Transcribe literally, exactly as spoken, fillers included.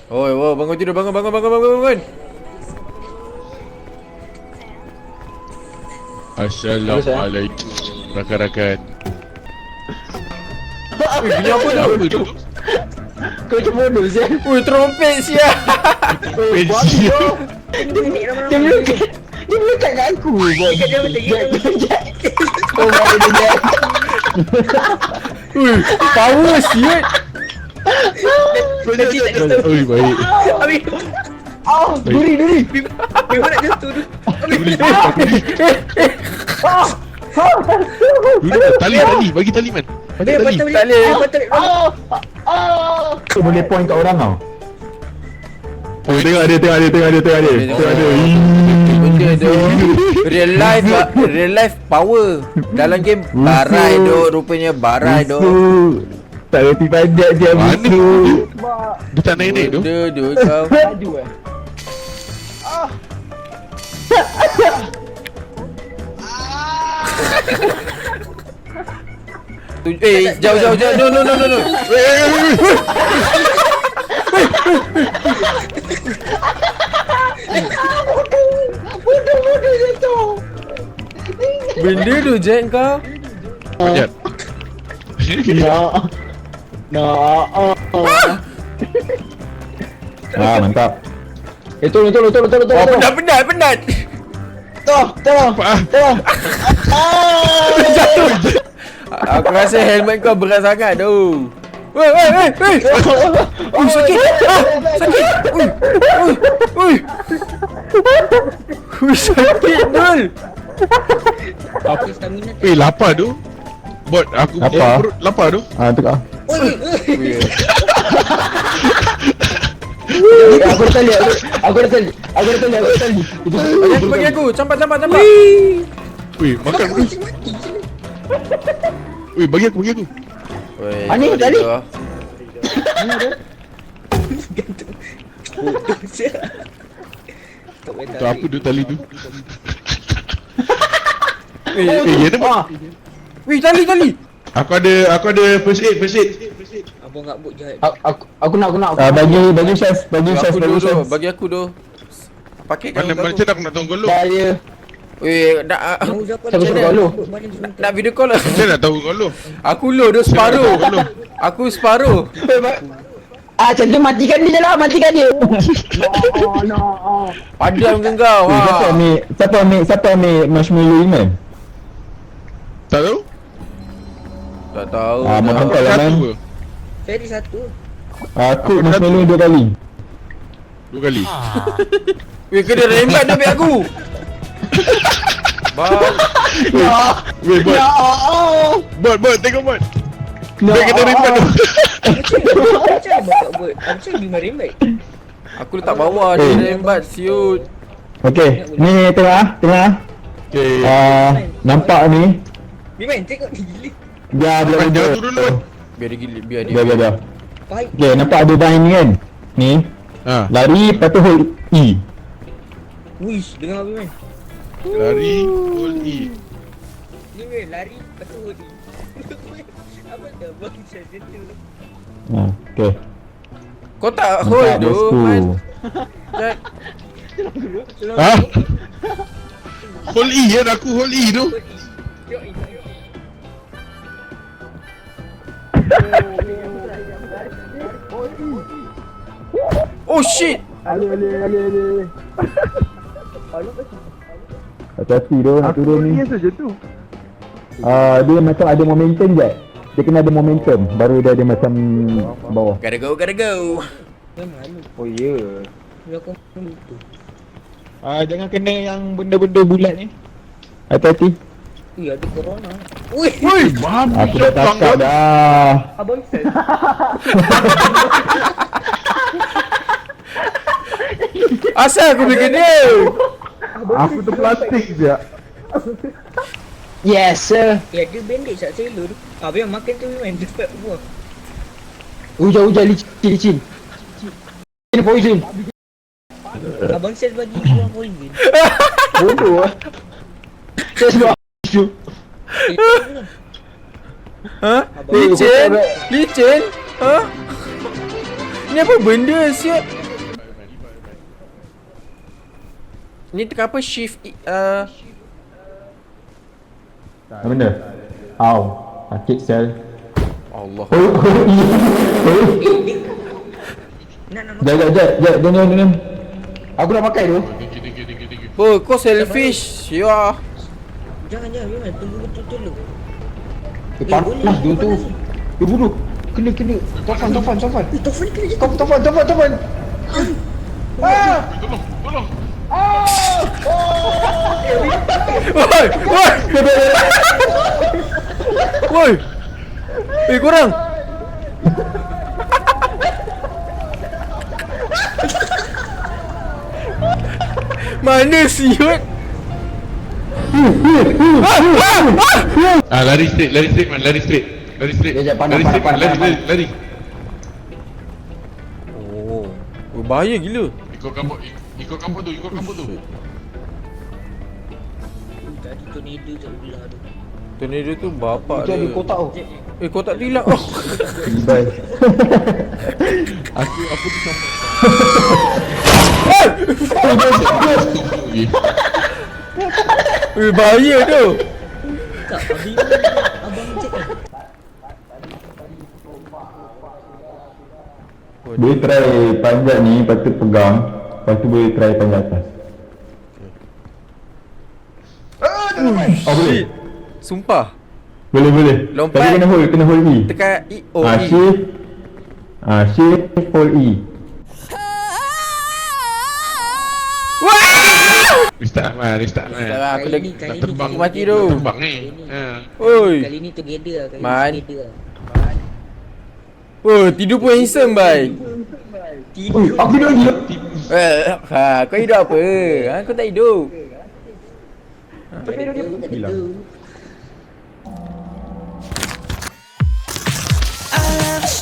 Oi, oi, bangun tidur, bangun, bangun, bangun, bangun, bangun. Assalamualaikum rakan-rakan. Ui, bunyi apa tu? Apa tu? Kau macam bodoh Zan. Ui, trompet sia. Pensi. Dia melekat. Dia melekat kat aku. Dekat dia melekat. Oh my god. Ui, power siut. Oi, baik. Habis. Oh, duri duri. Memang nak jatuh tu. Tali, tali, bagi tali man. Bagi Eh, tali. patah Tak balik. boleh. Patah balik. Tu boleh point kat orang tau. Oh, tengok dia, tengok dia, tengok dia, tengok dia. Tengok dia. Benda tu real life ba- real life power. Dalam game barai tu, rupanya barai tu. Musuh. Tak reti panjat dia Mana? musuh. Dia tak naik-naik tu. Benda tu kau. Laju eh. Tu- Eh, jauh jauh jauh. No no no no no. Bodoh-bodoh jatuh. Benda tu Jack kau. Panjat. Nak. Nak. Ah, mantap. Eh, tolong, tolong, tolong, tolong, Oh, tolong. penat penat penat. Tolong, tolong. Apa ah? Tolong. Jatuh. Aku rasa helmet kau berat sangat tu. Wei wei wei wei. Ui, sakit. Ah, sakit. Ui. Ui. Ui. Ui, sakit Dul. Aku stamina. Eh, lapar tu. Bot, aku Lapar? punya perut lapar tu. Ah, tu kau. Oi, Ui. oi. Aku dah tali, aku aku dah tali. Aku dah tali, aku dah tali. Bagi aku, bagi aku. Campak campak campak. Weh, makan dulu. Weh, bagi aku, bagi aku. Wei. Ah, ni kau tali. dia. Bodoh sia. Tak boleh Tu apa tu tali tu? Eh, Eh, ya tu. Ah, wei, tali tali. Aku ada aku ada first aid, first aid. abang ngabuk jahat. Aku aku nak aku nak. Ah, bagi bagi chef, bagi Bagi chef, aku bagi dulu, chef. bagi aku tu. Pakai kan Mana mana aku. cakap aku nak tahu kau lu. Dah dia. Weh, nak Mau siapa Siapa suruh kau lu? nak video call lah. Saya nak tahu kau lu. Aku low tu separuh. Saya nak tahu Aku separuh. Ah, macam tu matikan dia lah, matikan dia. Padam ke kau? Eh, siapa Ha. ambil, siapa ambil, siapa ambil marshmallow ni man? Tak tahu? Tak tahu. Ah, dah. mau kau lah man. Satu ke? Ferry satu. Aku Apa marshmallow dua kali. Dua kali. Weh, kena rembat tu ambil aku. Bang. Weh, bot. Bot, bot, tengok bot. Dia kena rembat tu. Macam mana kau buat? Macam gimana rembat? Aku letak bawah dia Eh. rembat siut. Okey, ni tengok ah, tengok ah. Okey. Ah, nampak ni. Biman, tengok ni gila. Biar dia Jangan duduk. tu dulu. Biar dia gila, biar dia. Biar biar biar. Baik. Okey, nampak ada line ni kan? Ni, Ha, lari lepas tu hold E. Wish, dengar Biman. lari, hold E. Ni weh, lari, lepas tu hoodie. Apa dah bang macam tu? Ha, okey. Kau tak hold Nampak tu, bosku. man. Jack. Ha? Hold E kan aku hold E tu. Tengok ni, tengok ni. Oh shit. Hati-hati tu nak turun ni. Ah, dia macam ada momentum je. Dia kena ada momentum baru dia ada macam bawah. Gotta go, gotta go. Dia malu. Oh ya. Dia aku lupa. Ah, jangan kena yang benda-benda bulat ni. Hati-hati. Ui, ada corona. Ui, Weh, mam. Aku dah takut dah. abang set. Asal aku boleh kena? Aku tu plastik je. Yes sir. Ya, dia bandage tak sailor. Ah, biar makan tu Biman, dapat buah. Hujan-hujan licin, licin. Ini poison. Abang set bagi buah poison. Bodoh ah. Saya sebab tu. Ha? Licin? Licin? Ha? Ni apa benda siap? Ni tekan apa? Shift i- uh, Apa benda? Au. Sakit sel. Allah. Oh, oh, iya. Nak nak Jap, jap, jap, jap, jangan, jangan. Aku dah pakai tu. Tinggi, tinggi, tinggi, tinggi. Oh, kau selfish. Ya. Jangan jangan jangan tunggu betul-betul dulu. Eh, panas tu tu. Eh, bodoh. Kena, kena. Taufan, Taufan, Taufan. Eh, Taufan kena je. Taufan, Taufan, Taufan, Taufan. Ah! Tolong, tolong. Woi, woi. Woi. Eh, korang. Mana siut? Ah, lari straight, lari straight man, lari straight. Lari straight. Jap, jap, pandang, Lari straight, pandang, lari, pandang, lari, lari. Oh. Oh, bahaya gila. Ikut kampung, ik- ikut kampung tu, ikut kampung tu. Tadi tornado tak belah tu. Tornado tu bapak Itu ada dia. kotak tu. Eh, kotak tu hilang. Oh. Bye. Aku, aku tu sampai. Eh, bahaya tu. Tak, abang abang cek kan. Boleh try panjat ni, lepas tu pegang. Lepas tu boleh try panjat atas. Oh, boleh? Sumpah. Boleh, boleh. Lompat. Tapi kena hold, kena hold E. Tekan E. Oh, Ah, E. shift. Ah, shift, hold E. Restart man, restart man. Dah lah, aku dah Kali ni, kali Nak ni terbang, aku mati together. tu. nak terbang ni. Kali ni. Ha. Oi. Kali ni together lah, kali Man. ni together lah. Oh, tidur pun handsome, bye. Oh, aku dah lagi. Eh, ha, kau hidup apa? Ha, kau tak hidup. Tak ada dia pun tak ada tu. I love